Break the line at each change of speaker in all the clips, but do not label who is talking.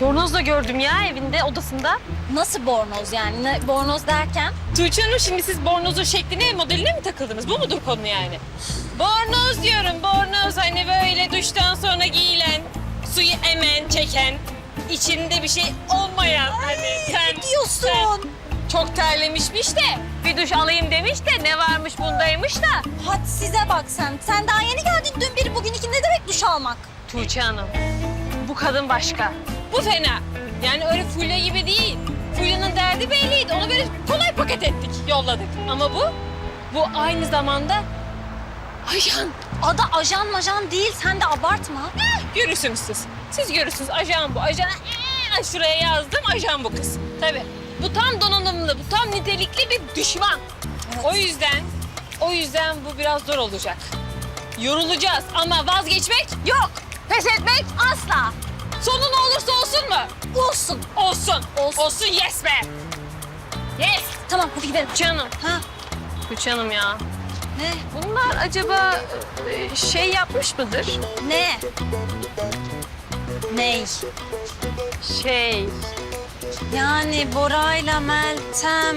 Bornoz da gördüm ya evinde, odasında.
Nasıl bornoz yani? Ne, bornoz derken?
Tuğçe Hanım, şimdi siz bornozun şekline, modeline mi takıldınız? Bu mudur konu yani? Bornoz diyorum, bornoz. Hani böyle duştan sonra giyilen, suyu emen, çeken, içinde bir şey olmayan. Hani
Ne diyorsun?
çok terlemişmiş de bir duş alayım demiş de ne varmış bundaymış da.
Hadi size bak sen. Sen daha yeni geldin dün biri bugün iki. Ne demek duş almak?
Tuğçe Hanım, bu kadın başka. Bu fena. Yani öyle Fulya gibi değil. Fulya'nın derdi belliydi. Onu böyle kolay paket ettik, yolladık. Ama bu aynı zamanda ajan.
Adı ajan majan değil. Sen de abartma.
Görürsünüz siz. Siz görürsünüz. Ajan bu. Ajana şuraya yazdım. Ajan bu kız. Tabii. Bu tam donanımlı, bu tam nitelikli bir düşman.
Evet.
O yüzden bu biraz zor olacak. Yorulacağız ama vazgeçmek yok. Pes etmek asla. Sonu ne olursa olsun mu?
Olsun.
Olsun.
Olsun.
Olsun, yes be. Yes.
Tamam hadi gidelim.
Canım.
Ha?
Canım ya.
Ne?
Bunlar acaba şey yapmış mıdır?
Ne? Ney?
Şey.
Yani Bora'yla Meltem...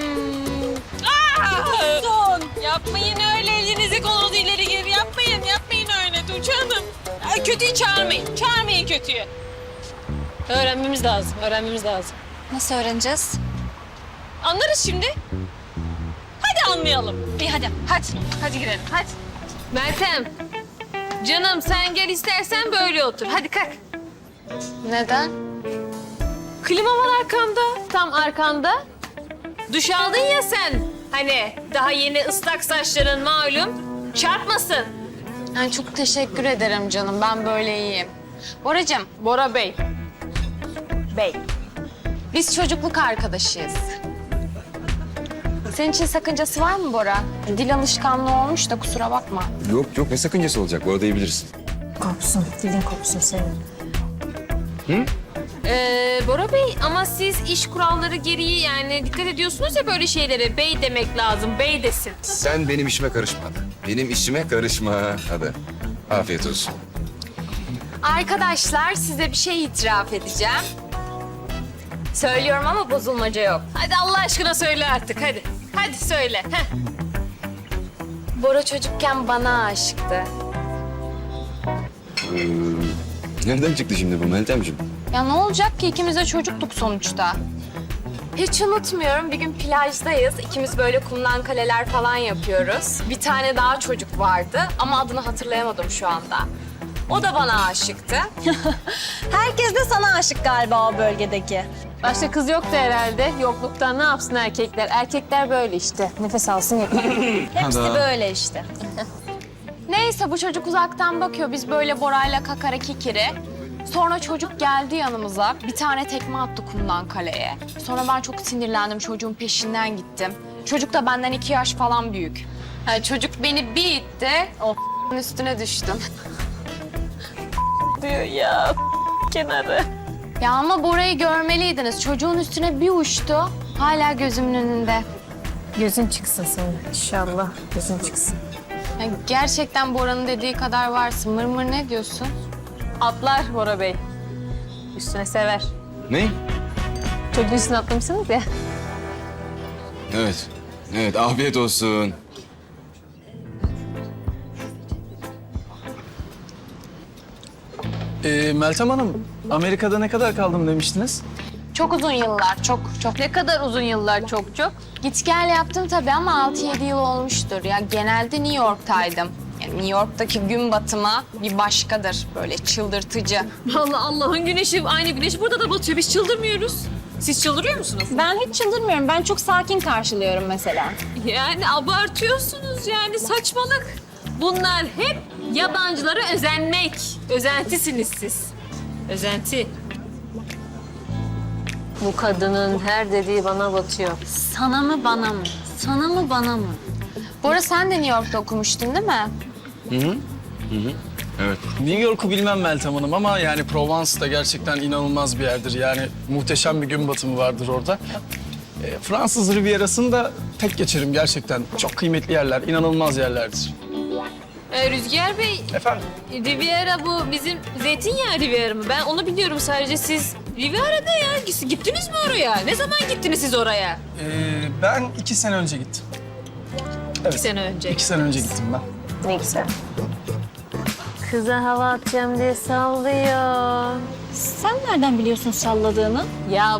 Son. Yapmayın öyle, elinizi kolunuzu ileri geri yapmayın. Yapmayın öyle Tuğçe Hanım. Kötüyü çağırmayın. Çağırmayın kötüyü. Öğrenmemiz lazım. Öğrenmemiz lazım.
Nasıl öğreneceğiz?
Anlarız şimdi. Hadi anlayalım.
İyi hadi.
Hadi gidelim. Hadi. Meltem. Canım sen gel, istersen böyle otur. Hadi kalk.
Neden?
Klima var arkanda. Tam arkanda. Duş aldın ya sen. Hani daha yeni ıslak saçların malum. Çarpmasın.
Yani çok teşekkür ederim canım. Ben böyle iyiyim. Boracığım,
Bora Bey. Bey.
biz çocukluk arkadaşıyız. Senin için sakıncası var mı Bora? Dil alışkanlığı olmuş da kusura bakma.
Yok yok, ne sakıncası olacak? Bu arada iyi bilirsin.
Kopsun. Dilin kopsun senin.
Bora Bey, ama siz iş kuralları gereği yani dikkat ediyorsunuz ya böyle şeylere. Bey demek lazım, bey desin.
Sen benim işime karışma hadi. Benim işime karışma hadi. Afiyet olsun.
Arkadaşlar size bir şey itiraf edeceğim. Söylüyorum ama bozulmaca yok.
Hadi Allah aşkına söyle artık, hadi. Hadi söyle. Heh.
Bora çocukken bana aşıktı.
Nereden çıktı şimdi bu Meltemciğim?
Ya ne olacak ki ikimiz de çocuktuk sonuçta. Hiç unutmuyorum, bir gün plajdayız. İkimiz böyle kumdan kaleler falan yapıyoruz. Bir tane daha çocuk vardı ama adını hatırlayamadım şu anda. O da bana aşıktı.
Herkes de sana aşık galiba o bölgedeki.
Başka kız yoktu herhalde. Yokluktan ne yapsın erkekler? Erkekler böyle işte. Nefes alsın yeter.
Hepsi böyle işte.
Neyse bu çocuk uzaktan bakıyor. Biz böyle Bora'yla kakara kikiri. Sonra çocuk geldi yanımıza. Bir tane tekme attı kumdan kaleye. Sonra ben çok sinirlendim. Çocuğun peşinden gittim. Çocuk da benden 2 yaş falan büyük. Yani çocuk beni bir itti. O üstüne düştüm.
Diyor ya kenarı.
Ya ama Bora'yı görmeliydiniz. Çocuğun üstüne bir uçtu. Hala gözümün önünde.
Gözün çıksın senin inşallah. Gözün çıksın.
Ya gerçekten Bora'nın dediği kadar varsın. Mırmır ne diyorsun?
Atlar Bora Bey. Üstüne sever.
Ne?
Çocuğun üstüne atlamışsınız ya.
Evet. Evet, afiyet olsun.
Meltem Hanım, Amerika'da ne kadar kaldım demiştiniz?
Çok uzun yıllar, çok.
Ne kadar uzun yıllar, çok.
Git gel yaptım tabii ama 6-7 yıl olmuştur. Ya genelde New York'taydım. Yani New York'taki gün batımı bir başkadır. Böyle çıldırtıcı.
Allah Allah'ın güneşi, aynı güneş burada da batıyor. Biz çıldırmıyoruz. Siz çıldırıyor musunuz?
Ben hiç çıldırmıyorum. Ben çok sakin karşılıyorum mesela.
Yani abartıyorsunuz yani, saçmalık. Bunlar hep yabancılara özenmek. Özentisiniz siz. Özenti. Bu kadının her dediği bana batıyor.
Sana mı bana mı? Sana mı bana mı?
Bora sen de New York'ta okumuştun değil mi?
Evet.
New York'u bilmem Meltem Hanım ama yani Provence da gerçekten inanılmaz bir yerdir. Yani muhteşem bir gün batımı vardır orada. Fransız Riviera'sını da tek geçerim gerçekten. Çok kıymetli yerler, inanılmaz yerlerdir.
Rüzgar Bey,
Efendim?
Riviera bu bizim zeytinyağı Riviera mı? Ben onu biliyorum sadece. Siz Riviera'da ya. Gittiniz mi oraya? Ne zaman gittiniz siz oraya?
Ben 2 sene önce gittim.
2 sene önce.
2 sene önce gittim ben.
Ne güzel. Kıza hava atacağım diye sallıyor.
Sen nereden biliyorsun salladığını?
Ya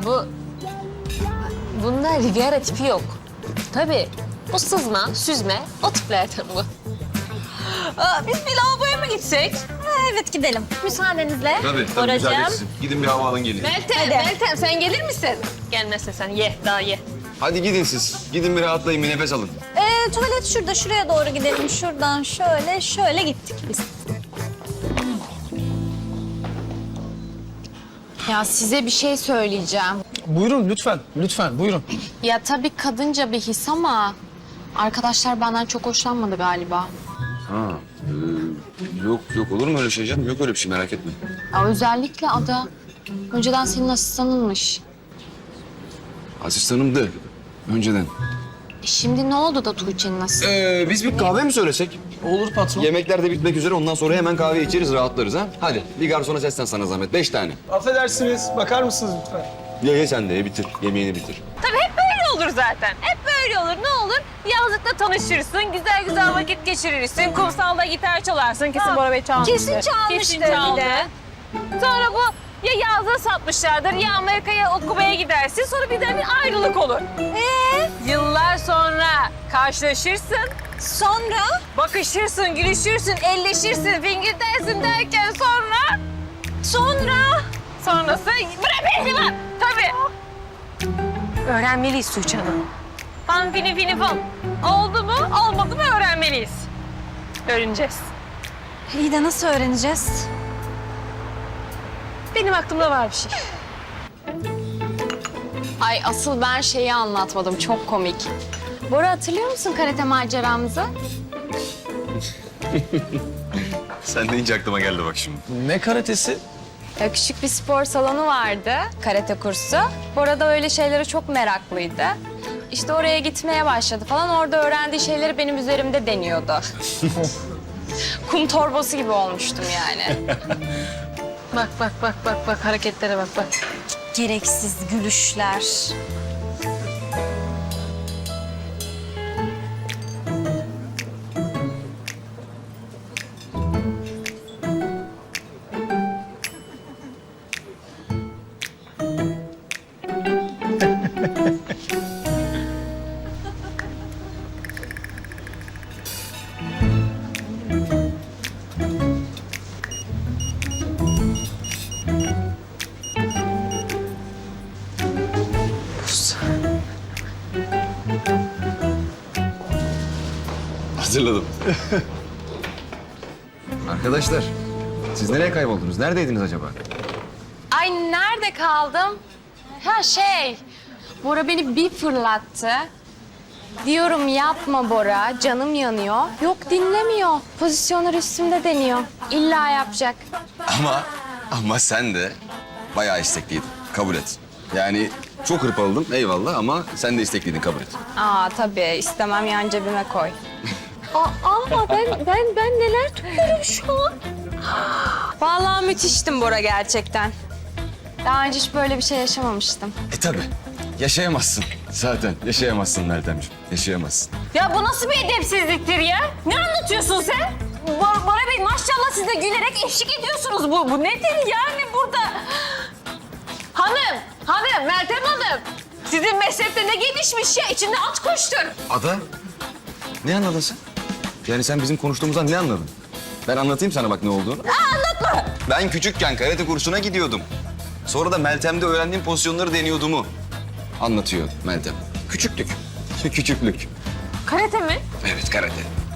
bunda Riviera tipi yok. Tabii. Bu sızma, süzme, o tiplerden bu. Biz bir lavaboya mı gitsek?
Evet gidelim.
Müsaadenizle.
Tabii
Boracığım.
Gidin bir hava alın gelin.
Meltem sen gelir misin? Gelmezse sen ye, daha ye.
Hadi gidin siz. Gidin bir rahatlayın, bir nefes alın.
Tuvalet şurada, şuraya doğru gidelim. Şuradan şöyle gittik biz.
Ya size bir şey söyleyeceğim.
Buyurun lütfen, lütfen buyurun.
Ya tabii kadınca bir his ama arkadaşlar benden çok hoşlanmadı galiba.
Ha, yok olur mu öyle şey canım? Yok öyle bir şey, merak etme.
Ya özellikle Ada. Önceden senin asistanınmış.
Asistanımdı önceden.
Şimdi ne oldu da Tuğçe'nin asistanı?
Biz bir kahve mi söylesek?
Olur patron.
Yemekler de bitmek üzere, ondan sonra hemen kahve içeriz, rahatlarız ha. Hadi bir garsona seslen sana zahmet, 5 tane.
Affedersiniz, bakar mısınız lütfen?
Ye sen de ye, bitir, yemeğini bitir.
Tabii hep böyle olur zaten. Hep böyle olur. Ne olur? Yazlıkta tanışırsın, güzel güzel vakit geçirirsin. Kumsalda gitar çalarsın. Kesin Bora Bey çalmıştır.
Kesin çalmıştır
Kesin
bir
çaldı.
de.
Sonra bu ya yazlığı satmışlardır ya Amerika'ya okumaya gidersin. Sonra birden bir ayrılık olur. Yıllar sonra karşılaşırsın.
Sonra?
Bakışırsın, gülüşürsün, elleşirsin, fingir dersin derken sonrası bırak beni lan. Tabii. Öğrenmeliyiz Tuğçe Hanım. Fan fini fini fan. Oldu mu, olmadı mı öğrenmeliyiz. Öğreneceğiz.
İyi de nasıl öğreneceğiz?
Benim aklımda var bir şey.
Ay asıl ben şeyi anlatmadım. Çok komik. Bora hatırlıyor musun karate maceramızı?
Sen deyince aklıma geldi bak şimdi.
Ne karatesi?
Ya küçük bir spor salonu vardı, karate kursu. Bora da öyle şeylere çok meraklıydı. İşte oraya gitmeye başladı falan. Orada öğrendiği şeyleri benim üzerimde deniyordu. Kum torbası gibi olmuştum yani.
Bak hareketlere bak.
Gereksiz gülüşler.
Hazırladım. Arkadaşlar, siz nereye kayboldunuz? Neredeydiniz acaba?
Ay nerede kaldım? Ha Bora beni bir fırlattı. Diyorum yapma Bora, canım yanıyor. Yok dinlemiyor. Pozisyonlar üstümde deniyor. İlla yapacak.
Ama sen de bayağı istekliydin. Kabul et. Yani çok hırpaladım eyvallah ama sen de istekliydin, kabul et.
Aa tabii istemem yan cebime koy.
Ben neler tutuyorum şu an?
Vallahi müthiştim Bora gerçekten. Daha önce hiç böyle bir şey yaşamamıştım.
Tabii. Yaşayamazsın. Zaten yaşayamazsın Meltemciğim. Yaşayamazsın.
Ya bu nasıl bir edepsizliktir ya? Ne anlatıyorsun sen? Bora Bey maşallah siz de gülerek eşlik ediyorsunuz. Bu nedir yani burada? Hanım, Meltem Hanım. Sizin meslekte ne gelişmiş ya? İçinde at koştur.
Ada, ne anladın sen? Yani sen bizim konuştuğumuzdan ne anladın? Ben anlatayım sana bak ne olduğunu.
Anlatma.
Ben küçükken karate kursuna gidiyordum. Sonra da Meltem'de öğrendiğim pozisyonları deniyordumu anlatıyor Meltem. Küçüklük. Küçüklük.
Karate mi?
Evet, karate.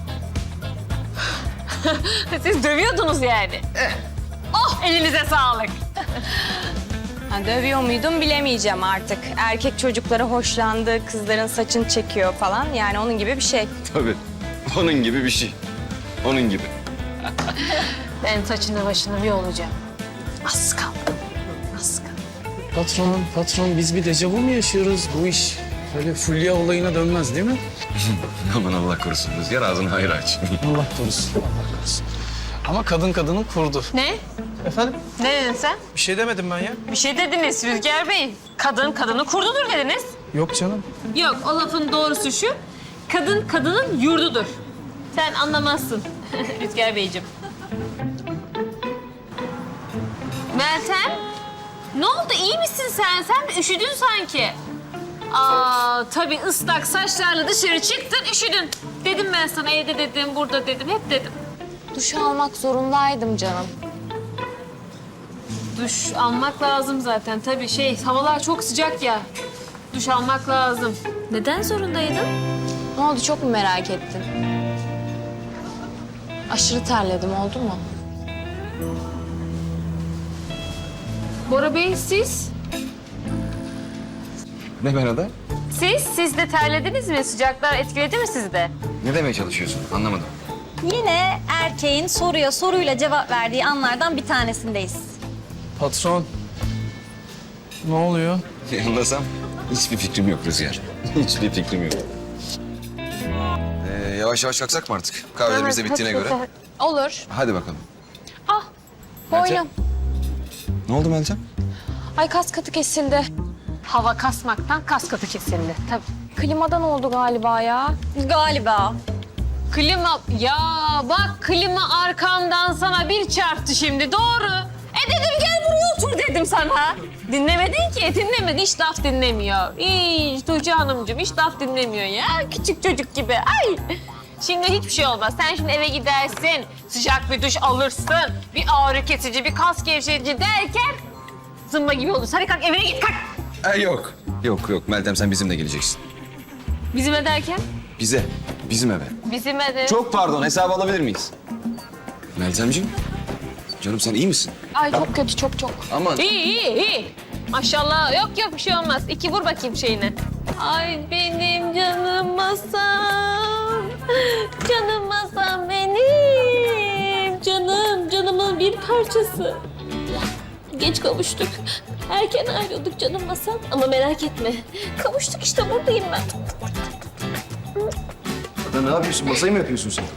Siz dövüyordunuz yani. Oh elinize sağlık.
Ha, dövüyor muydum bilemeyeceğim artık. Erkek çocukları hoşlandı, kızların saçını çekiyor falan. Yani onun gibi bir şey.
Tabii. Onun gibi bir şey. Onun gibi.
Ben saçını başını bir olacağım. Az kaldı.
Patron biz bir dejavu mu yaşıyoruz? Bu iş böyle fulya olayına dönmez değil mi?
Aman Allah korusun. Rüzgar ağzını hayır aç.
Allah korusun, Allah korusun. Ama kadın kadının kurdu.
Ne?
Efendim?
Ne dedin sen?
Bir şey demedim ben ya.
Bir şey dediniz Rüzgar Bey. Kadın kadını kurdudur dediniz.
Yok canım.
Yok, o lafın doğrusu şu. Kadın kadının yurdudur. Sen anlamazsın Rüzgar Beyciğim. Meltem, ne oldu? İyi misin sen? Sen üşüdün sanki. Aa, tabii ıslak saçlarla dışarı çıktın, üşüdün. Dedim ben sana, evde dedim, burada dedim, hep dedim.
Duş almak zorundaydım canım.
Duş almak lazım zaten. Tabii havalar çok sıcak ya. Duş almak lazım. Neden zorundaydın?
Ne oldu, çok mu merak ettin? Aşırı terledim, oldu mu?
Bora Bey, siz?
Ne ben Ada?
Siz de terlediniz mi? Sıcaklar etkiledi mi sizi de?
Ne demeye çalışıyorsun? Anlamadım.
Yine erkeğin soruya soruyla cevap verdiği anlardan bir tanesindeyiz.
Patron. Ne oluyor?
Anlasam hiçbir fikrim yok Rüzgar. Hiçbir fikrim yok. Yavaş yavaş kalksak mı artık? Kahvelerimiz de bittiğine göre.
Olur.
Hadi bakalım.
Ah, boynum.
Ne oldu Meltem?
Ay, kas katı kesildi.
Hava kasmaktan kas katı kesildi. Tabii.
Klimadan oldu galiba ya.
Galiba.
Klima, ya bak klima arkamdan sana bir çarptı şimdi, doğru. Dedim gel buraya otur dedim sana. Dinlemedin ki, dinlemedi. Hiç laf dinlemiyor. Hiç Tuğçe Hanımcığım hiç laf dinlemiyor ya. Küçük çocuk gibi. Ay. Şimdi hiçbir şey olmaz. Sen şimdi eve gidersin, sıcak bir duş alırsın, bir ağrı kesici, bir kas gevşetici derken zımba gibi olursun. Hadi kalk, evine git, kalk.
Yok. Yok Meltem sen bizimle geleceksin.
Bizim derken?
Bize. Bizim eve.
Bizim de.
Çok pardon hesabı alabilir miyiz? Meltemciğim. Canım sen iyi misin?
Ay çok kötü, çok.
Aman.
İyi. Maşallah. Yok bir şey olmaz. İki vur bakayım şeyine. Ay benim canım masam. Canım masam benim. Canımın bir parçası. Geç kavuştuk. Erken ayrıldık canım masam. Ama merak etme. Kavuştuk işte, buradayım ben.
Ada ne yapıyorsun? Masayı mı yapıyorsun sen?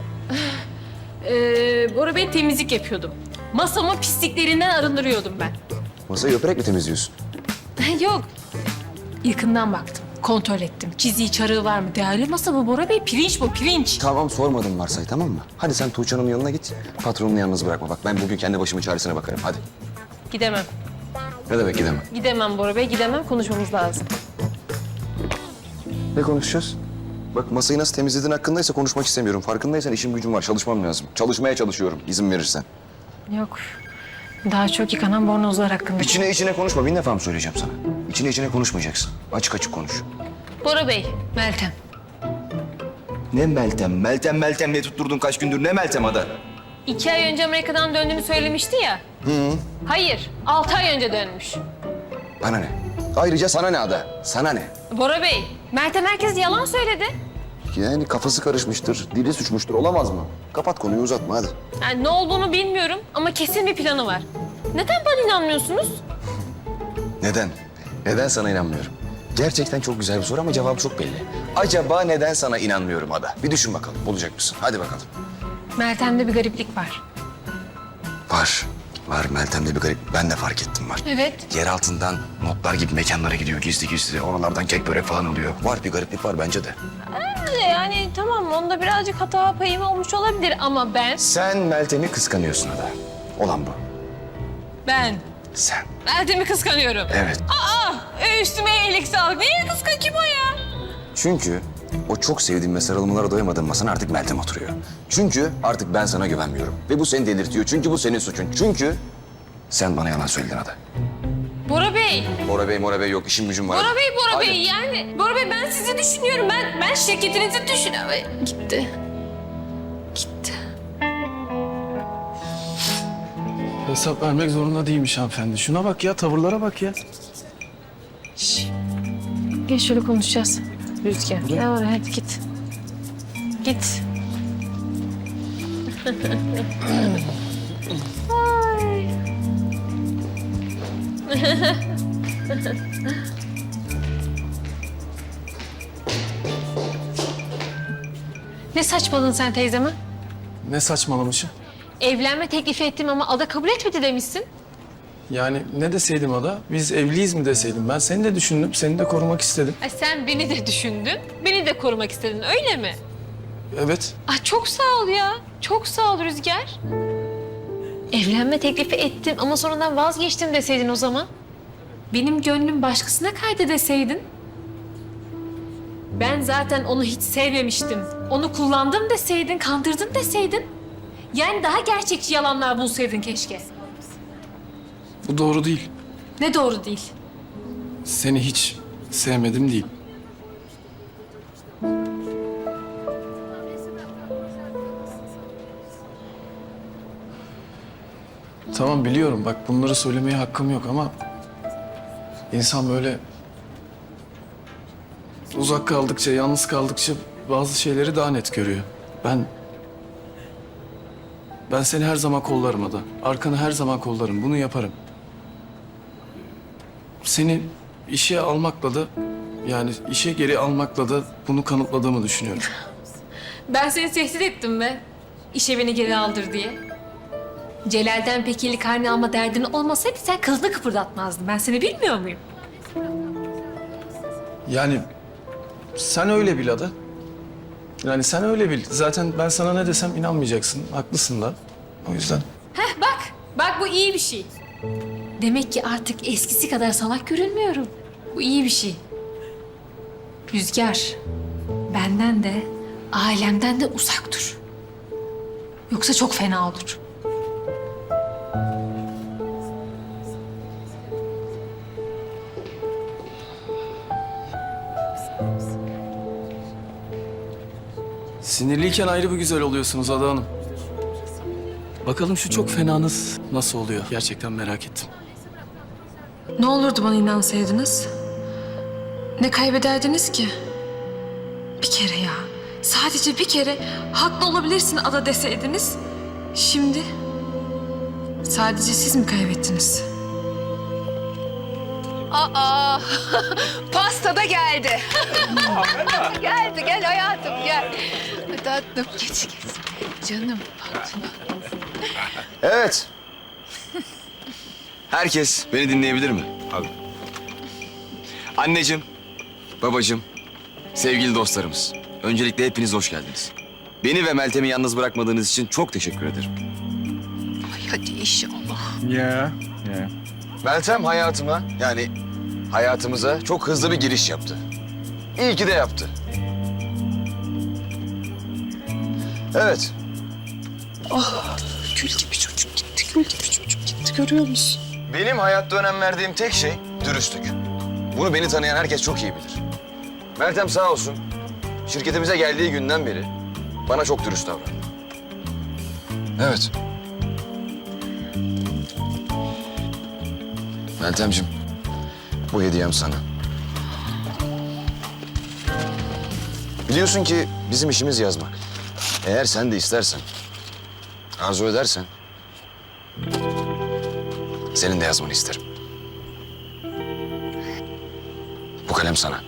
Bora Bey, temizlik yapıyordum. Masamı pisliklerinden arındırıyordum ben.
Masayı öperek mi temizliyorsun?
Yok. Yakından baktım. Kontrol ettim. Çiziği, çarığı var mı? Değerli masa bu Bora Bey. Pirinç bu, pirinç.
Tamam sormadım varsay tamam mı? Hadi sen Tuğçe Hanım'ın yanına git. Patronunu yalnız bırakma. Bak ben bugün kendi başımın çaresine bakarım. Hadi.
Gidemem.
Ne demek gidemem?
Gidemem Bora Bey, gidemem. Konuşmamız lazım.
Ne konuşacağız? Bak masayı nasıl temizlediğin hakkındaysa konuşmak istemiyorum. Farkındaysan işim gücüm var. Çalışmam lazım. Çalışmaya çalışıyorum izin verirsen.
Yok. Daha çok yıkanan bornozlar hakkında.
İçine konuşma. Bin defa mı söyleyeceğim sana? İçine konuşmayacaksın. Açık açık konuş.
Bora Bey, Meltem.
Ne Meltem? Meltem diye tutturdun kaç gündür. Ne Meltem Ada?
2 ay önce Amerika'dan döndüğünü söylemişti ya. Hayır, 6 ay önce dönmüş.
Bana ne? Ayrıca sana ne Ada? Sana ne?
Bora Bey, Meltem herkes yalan söyledi.
Yani kafası karışmıştır, dili suçmuştur. Olamaz mı? Kapat konuyu uzatma hadi.
Yani ne olduğunu bilmiyorum ama kesin bir planı var. Neden bana inanmıyorsunuz?
Neden? Neden sana inanmıyorum? Gerçekten çok güzel bir soru ama cevabı çok belli. Acaba neden sana inanmıyorum Ada? Bir düşün bakalım. Bulacak mısın? Hadi bakalım.
Meltem'de bir gariplik var.
Var Meltem'de bir garip. Ben de fark ettim var.
Evet.
Yer altından notlar gibi mekanlara gidiyor gizli. Oralardan kek börek falan alıyor. Var bir gariplik var bence de.
Yani tamam, onda birazcık hata payım olmuş olabilir ama
Sen Meltem'i kıskanıyorsun Ada. Olan bu.
ben
Sen.
Meltem'i kıskanıyorum.
Evet.
Üstüme iyilik sağlık. Niye kıskan, kim o ya?
Çünkü o çok sevdiğim ve sarılmalara doyamadığım masana artık Meltem oturuyor. Çünkü artık ben sana güvenmiyorum. Ve bu seni delirtiyor. Çünkü bu senin suçun. Çünkü sen bana yalan söyledin Ada.
Bora Bey.
Bora Bey yok. İşim gücüm var.
Bora
Hadi.
Bey yani. Bora Bey, ben sizi düşünüyorum. Ben şirketinizi düşünüyorum. Gitti.
Hesap vermek zorunda değilmiş hanımefendi. Şuna bak ya, tavırlara bak ya.
Gel şöyle konuşacağız. Rüzgar. Gel oraya, hadi git. Git. Ay. Ne saçmaladın sen teyzeme?
Ne saçmalamışım?
Evlenme teklifi ettim ama Ada kabul etmedi demişsin.
Yani ne deseydim Ada? Biz evliyiz mi deseydim? Ben seni de düşündüm, seni de korumak istedim.
Ay sen beni de düşündün, beni de korumak istedin öyle mi?
Evet.
Ay çok sağ ol ya. Çok sağ ol Rüzgar. Evlenme teklifi ettim ama sonradan vazgeçtim deseydin o zaman. Benim gönlüm başkasına kaydı deseydin. Ben zaten onu hiç sevmemiştim. Onu kullandım deseydin, kandırdım deseydin. Yani daha gerçekçi yalanlar bulsaydın keşke.
Bu doğru değil.
Ne doğru değil.
Seni hiç sevmedim değil. Tamam biliyorum bak bunları söylemeye hakkım yok ama insan böyle uzak kaldıkça, yalnız kaldıkça bazı şeyleri daha net görüyor. Ben seni her zaman kollarım Ada. Arkanı her zaman kollarım. Bunu yaparım. Seni işe almakla da yani işe geri almakla da bunu kanıtladığımı düşünüyorum.
Ben seni tehdit ettim be. İşe beni geri aldır diye. Celal'den pekili karne alma derdin olmasaydı sen kılını kıpırdatmazdın. Ben seni bilmiyor muyum?
Yani sen öyle bil Ada. Yani sen öyle bil. Zaten ben sana ne desem inanmayacaksın. Haklısın da. O yüzden.
Heh bak. Bak bu iyi bir şey. Demek ki artık eskisi kadar salak görünmüyorum. Bu iyi bir şey. Rüzgar, benden de, ailemden de uzak dur. Yoksa çok fena olur.
Sinirliyken ayrı bir güzel oluyorsunuz Ada Hanım. Bakalım şu çok fenanız nasıl oluyor? Gerçekten merak ettim.
Ne olurdu bana inansaydınız? Ne kaybederdiniz ki? Bir kere ya. Sadece bir kere haklı olabilirsin Ada deseydiniz. Şimdi sadece siz mi kaybettiniz?
Aa, pasta da geldi. Geldi, gel hayatım, gel. Tatlım, geç. Canım, tatlım.
Evet. Herkes beni dinleyebilir mi? Abi. Anneciğim, babacığım, sevgili dostlarımız. Öncelikle hepiniz hoş geldiniz. Beni ve Meltem'i yalnız bırakmadığınız için çok teşekkür ederim.
Ay hadi inşallah.
Ya.
Meltem hayatıma, yani hayatımıza çok hızlı bir giriş yaptı. İyi ki de yaptı. Evet.
Gül gibi çocuk gitti, gül gibi çocuk gitti. Görüyor musun?
Benim hayatta önem verdiğim tek şey dürüstlük. Bunu beni tanıyan herkes çok iyi bilir. Meltem sağ olsun, şirketimize geldiği günden beri bana çok dürüst davrandı. Evet. Meltemciğim, bu hediyem sana. Biliyorsun ki bizim işimiz yazmak. Eğer sen de istersen, arzu edersen, senin de yazmanı isterim. Bu kalem sana.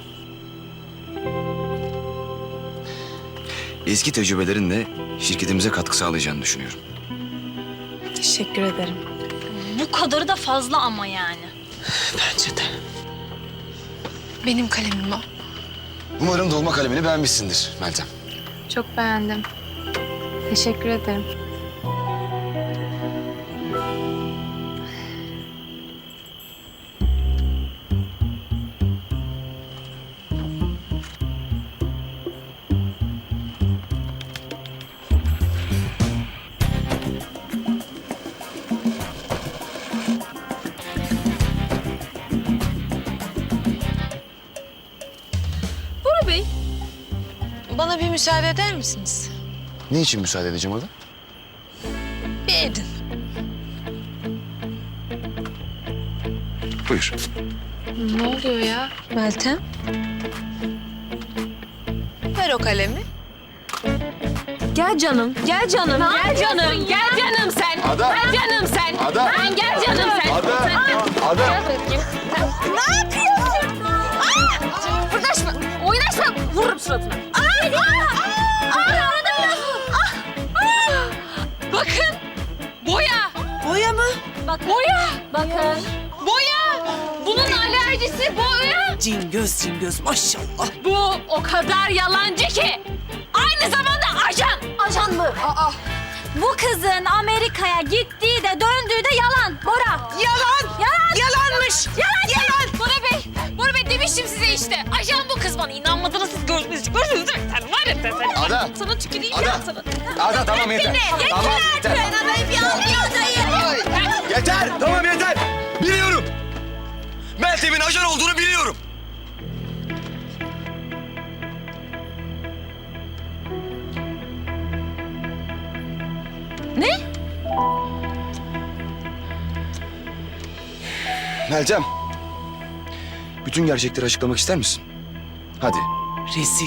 Eski tecrübelerinle şirketimize katkı sağlayacağını düşünüyorum.
Teşekkür ederim.
Bu kadarı da fazla ama yani.
Bence de. Benim kalemim o.
Umarım dolma kalemini beğenmişsindir Meltem.
Çok beğendim. Teşekkür ederim.
Bora Bey, bana bir müsaade eder misiniz?
Ne için müsaade edeceğim Ada?
Bir edin.
Buyur.
Ne oluyor ya? Meltem. Ver o kalemi.
Gel canım, gel canım, gel canım, gel canım sen.
Ada.
Gel canım sen.
Ada.
Lan gel canım sen.
Ada. Ada.
Ne yapıyorsun?
Fırdaşma, oynaşma, vururum suratına.
Arada biraz vur.
Bakın,
Bakın.
Boya! Bunun alerjisi boya.
Cingöz maşallah.
Bu o kadar yalancı ki. Aynı zamanda ajan.
Ajan mı? Bu kızın Amerika'ya gittiği de döndüğü de yalan. Bora.
Yalan. Yalanmış.
Yalan. Bora Bey demiştim size işte. Ajan bu kız bana. İnanmadınız siz gördünüz değil mi? Sen var ya sen.
Ada.
Sana tüküreyim
Ada.
ya sana.
Ada tamam yeter. Tamam yeter. Yeter. Tamam yeter. Biliyorum. Meltem'in ajan olduğunu biliyorum.
Ne?
Meltem. Bütün gerçekleri açıklamak ister misin? Hadi.
Rezil.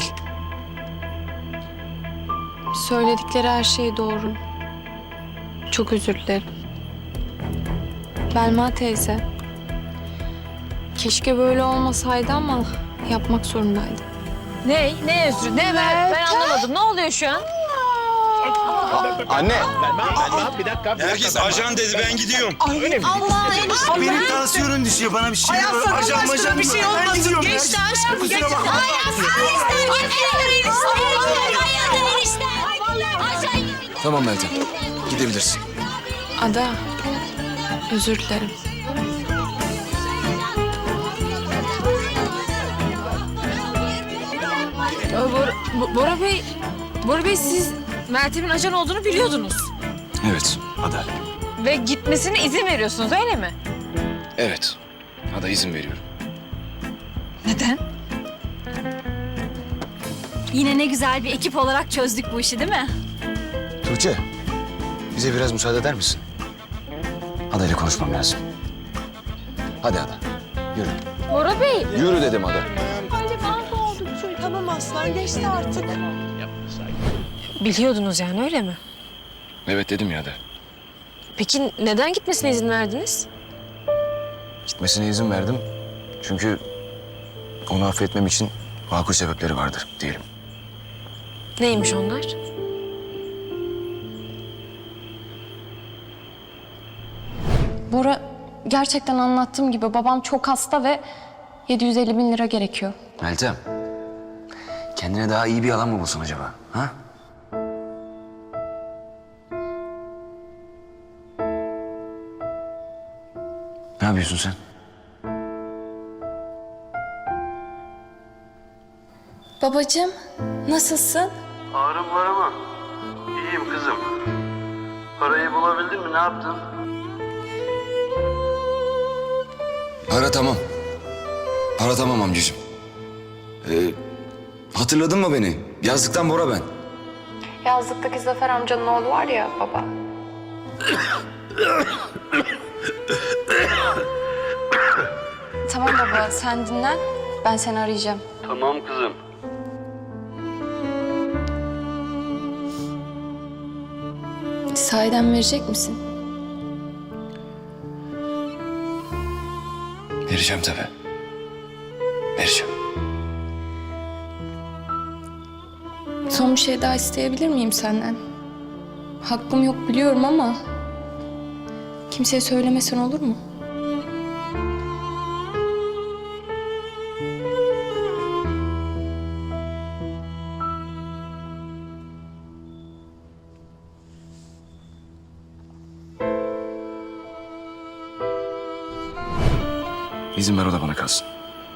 Söyledikleri her şey doğru. Çok özür dilerim. Belma teyze. Keşke böyle olmasaydı ama yapmak zorundaydım.
Ne özrü? Ne ben anlamadım. Ne oluyor şu an?
Anne.
Herkes ajan dedi, ben gidiyorum.
Benim tansiyonum düşüyor. Bana bir şey
Ay
olur.
Allah
Ajan
aşkına
majan
bir
mı?
şey
Ben
olmasın.
gidiyorum ya.
Geçti aşkım.
Kusura
Geçti.
bakma.
Tamam Meltem. Gidebilirsin.
Ada, özür dilerim.
Bora Bey siz Meltem'in ajan olduğunu biliyordunuz.
Evet Ada.
Ve gitmesine izin veriyorsunuz öyle mi?
Evet. Ada izin veriyorum.
Neden?
Yine ne güzel bir ekip olarak çözdük bu işi değil mi?
Tuğçe. Bize biraz müsaade eder misin? Ada ile konuşmam lazım. Hadi Ada. Yürü.
Bora Bey.
Yürü dedim Ada.
Tamam aslan geçti artık.
Biliyordunuz yani öyle mi?
Evet dedim ya Ada.
Peki neden gitmesine izin verdiniz?
Gitmesine izin verdim. Çünkü onu affetmem için makul sebepleri vardır diyelim.
Neymiş onlar?
Bora, gerçekten anlattığım gibi babam çok hasta ve 750 bin lira gerekiyor.
Meltem. Kendine daha iyi bir alan mı bulsun acaba? Ha? Ne yapıyorsun sen?
Babacığım, nasılsın?
Ağrım var ama iyiyim kızım. Parayı bulabildin mi? Ne yaptın?
Para tamam. Para tamam amcacığım. Hatırladın mı beni? Yazlıktan Bora ben.
Yazlıktaki Zafer amcanın oğlu var ya baba. Tamam baba, sen dinlen. Ben seni arayacağım.
Tamam kızım.
Sahiden verecek misin?
Vereceğim tabii. Vereceğim.
Son bir şey daha isteyebilir miyim senden? Hakkım yok biliyorum ama kimseye söylemesen olur mu?
İzin ver o da bana kalsın.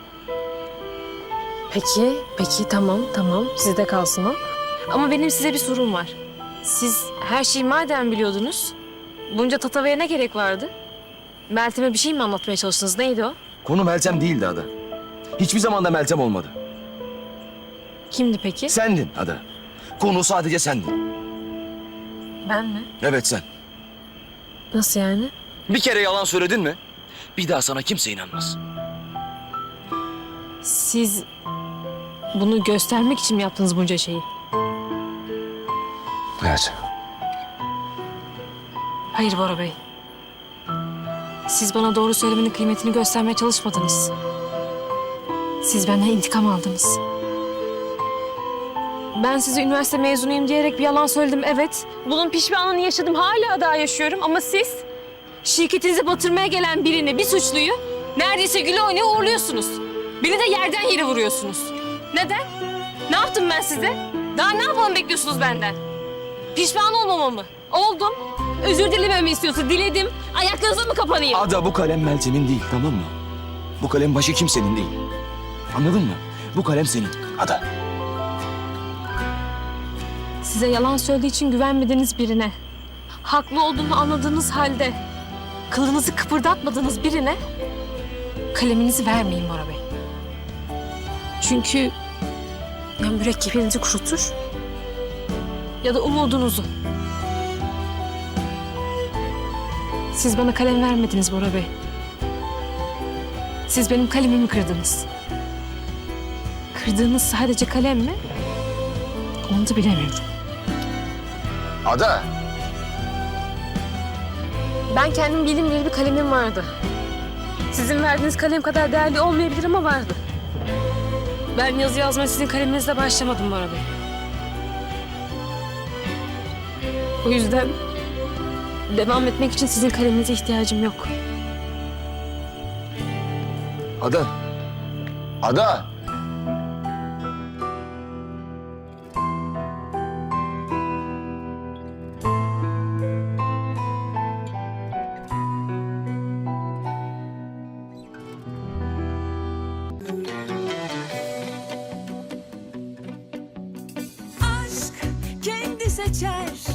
Peki tamam. Sizde kalsın o. Ama benim size bir sorum var. Siz her şeyi madem biliyordunuz, bunca tatavaya ne gerek vardı? Meltem'e bir şey mi anlatmaya çalıştınız? Neydi o?
Konu Meltem değildi Ada. Hiçbir zaman da Meltem olmadı.
Kimdi peki?
Sendin Ada. Konu sadece sendin.
Ben mi?
Evet sen.
Nasıl yani?
Bir kere yalan söyledin mi? Bir daha sana kimse inanmaz.
Siz bunu göstermek için mi yaptınız bunca şeyi?
Evet.
Hayır Bora Bey. Siz bana doğru söylemenin kıymetini göstermeye çalışmadınız. Siz benden intikam aldınız. Ben size üniversite mezunuyum diyerek bir yalan söyledim, evet. Bunun pişmanlığını yaşadım, hala daha yaşıyorum ama siz Şirketinizi batırmaya gelen birini, bir suçluyu neredeyse güle oynaya uğurluyorsunuz. Beni de yerden yere vuruyorsunuz. Neden? Ne yaptım ben size? Daha ne yapalım bekliyorsunuz benden? Pişman olmamamı mı? Oldum. Özür dilememi istiyorsa diledim. Ayaklarınıza mı kapanayım?
Ada bu kalem Meltem'in değil, tamam mı? Bu kalem başka kimsenin değil. Anladın mı? Bu kalem senin. Ada.
Size yalan söylediği için güvenmediğiniz birine, haklı olduğunu anladığınız halde kılınızı kıpırdatmadığınız birine kaleminizi vermeyin Bora Bey. Çünkü ya mürekkebinizi kurutur ya da umudunuzu. Siz bana kalem vermediniz Bora Bey. Siz benim kalemimi kırdınız. Kırdığınız sadece kalem mi? Onu da bilemiyorum.
Ada!
Ben kendim bildiğim bileli bir kalemim vardı. Sizin verdiğiniz kalem kadar değerli olmayabilir ama vardı. Ben yazı yazmaya sizin kaleminizle başlamadım Bora Bey. O yüzden devam etmek için sizin kaleminize ihtiyacım yok.
Ada! Ada!
Aşk kendi seçer